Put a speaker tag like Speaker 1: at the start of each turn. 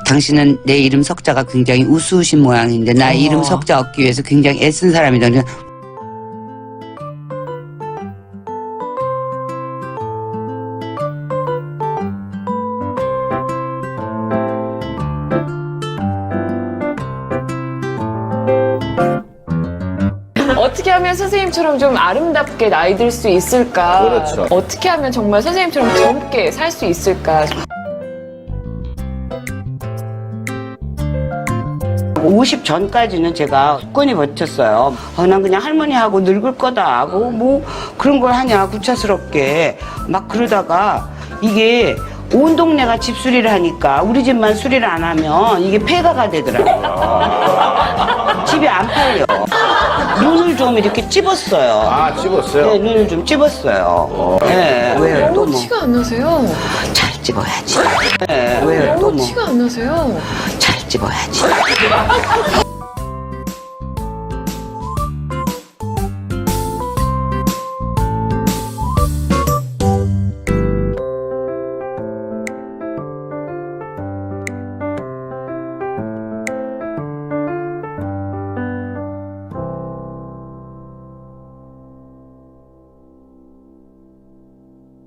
Speaker 1: 당신은 내 이름 석자가 굉장히 우스우신 모양인데 나 이름 석자 얻기 위해서 굉장히 애쓴 사람이다.
Speaker 2: 어떻게 하면 선생님처럼 좀 아름답게 나이 들 수 있을까?
Speaker 3: 그렇죠.
Speaker 2: 어떻게 하면 정말 선생님처럼 젊게 살 수 있을까?
Speaker 1: 50 전까지는 제가 굳건히 버텼어요. 난 그냥 할머니하고 늙을 거다 하고 뭐 그런 걸 하냐 구차스럽게 막 그러다가 이게 온 동네가 집수리를 하니까 우리 집만 수리를 안 하면 이게 폐가가 되더라고요. 집이 안 팔려. 눈을 좀 이렇게 찝었어요.
Speaker 3: 아, 찝었어요?
Speaker 1: 네, 눈을 좀 찝었어요. 네, 왜요? 또
Speaker 2: 너무
Speaker 1: 뭐?
Speaker 2: 티가 안 나세요.
Speaker 1: 잘 찝어야지. 네, 왜요? 또
Speaker 2: 너무
Speaker 1: 뭐?
Speaker 2: 티가 안 나세요.
Speaker 1: 잘 찝어야지.